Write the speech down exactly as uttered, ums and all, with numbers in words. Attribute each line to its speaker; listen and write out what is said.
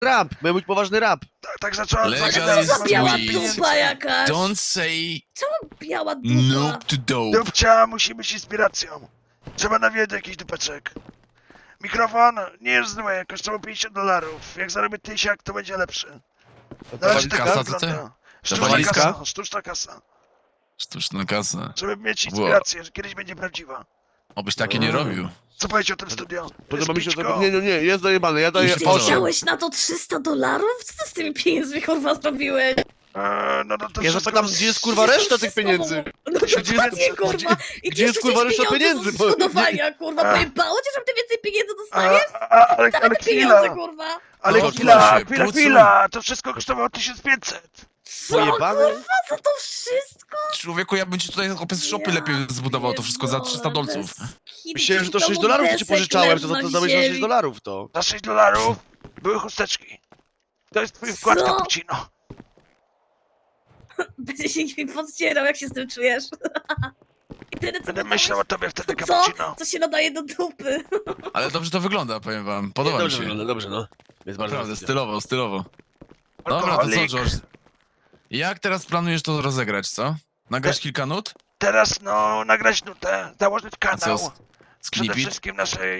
Speaker 1: rap, miał być poważny rap.
Speaker 2: Tak, tak zacząłem
Speaker 3: Legal
Speaker 2: zagadać.
Speaker 3: jest
Speaker 4: Co za biała
Speaker 3: sweet.
Speaker 4: dupa jakaś?
Speaker 3: Don't say
Speaker 4: Biała dupa.
Speaker 3: nope to dope.
Speaker 2: Dupcia musi być inspiracją. Trzeba nawiedzieć jakiś dupeczek. Mikrofon nie jest zły, kosztował pięćdziesiąt dolarów. Jak zarobię tysiak, to będzie lepszy. Na razie tak
Speaker 3: Kasa, co ty?
Speaker 2: wygląda. Sztuczna
Speaker 1: walizka?
Speaker 2: kasa, sztuczna kasa.
Speaker 3: Sztuczna kasa.
Speaker 2: Żeby mieć inspirację, że kiedyś będzie prawdziwa.
Speaker 3: Obyś takie nie robił.
Speaker 2: Co powiecie o tym studio?
Speaker 1: Podoba mi się
Speaker 2: Pićko?
Speaker 1: to. Nie, nie, nie, jest dojebane, ja daję
Speaker 3: Już się
Speaker 1: osiem.
Speaker 4: Chciałeś na to trzysta dolarów? Co ty z tymi pieniędzmi kurwa zrobiłeś?
Speaker 2: Eee, no, no to
Speaker 1: Ja
Speaker 2: wszystko-
Speaker 1: zapytam, gdzie jest kurwa reszta tych
Speaker 4: Wszystko
Speaker 1: pieniędzy?
Speaker 4: No
Speaker 1: Gdzie-
Speaker 4: dokładnie kurwa. I
Speaker 1: gdzie jest,
Speaker 4: ty
Speaker 1: kurwa,
Speaker 4: jeszcze
Speaker 1: reszta pieniędzy? Bo-
Speaker 4: Z zbudowania kurwa.
Speaker 2: A.
Speaker 4: Pojebało cię, żeby ty więcej pieniędzy
Speaker 2: A,
Speaker 4: dostaniesz?
Speaker 2: a, ale, ale
Speaker 4: Dawaj te
Speaker 2: chwila,
Speaker 4: pieniądze kurwa.
Speaker 2: ale
Speaker 3: No,
Speaker 2: chwila,
Speaker 3: proszę,
Speaker 2: chwila,
Speaker 3: pucuj.
Speaker 2: chwila, to wszystko kosztowało tysiąc pięćset.
Speaker 4: Co
Speaker 1: Pojebane?
Speaker 4: kurwa za to wszystko?
Speaker 3: Człowieku, ja bym ci tutaj opis shopy lepiej zbudował to wszystko za trzysta dolców.
Speaker 1: Myślałem, że to sześć dolarów, co ci pożyczałem, to, to, to dałeś za sześć dolarów to.
Speaker 2: Za sześć dolarów były chusteczki. To jest twój wkład
Speaker 4: Co?
Speaker 2: cappuccino.
Speaker 4: Będzie się mi podcierał, jak się z tym czujesz. I tyle, co
Speaker 2: Będę
Speaker 4: mi
Speaker 2: myślał o
Speaker 4: dałeś?
Speaker 2: tobie wtedy
Speaker 4: Co?
Speaker 2: cappuccino.
Speaker 4: Co się nadaje do dupy?
Speaker 3: Ale dobrze to wygląda, powiem wam. Podoba mi
Speaker 1: Dobrze
Speaker 3: się.
Speaker 1: wygląda, dobrze no. Jest bardzo
Speaker 3: Naprawdę,
Speaker 1: dobrze.
Speaker 3: stylowo, stylowo. Dobra, to co,
Speaker 2: Alkoholik.
Speaker 3: George? Jak teraz planujesz to rozegrać, co? Nagrać kilka nut?
Speaker 2: Teraz no, nagrać nutę, założyć
Speaker 3: A co,
Speaker 2: kanał.
Speaker 3: z-
Speaker 2: Przede
Speaker 3: sknipit?
Speaker 2: wszystkim naszej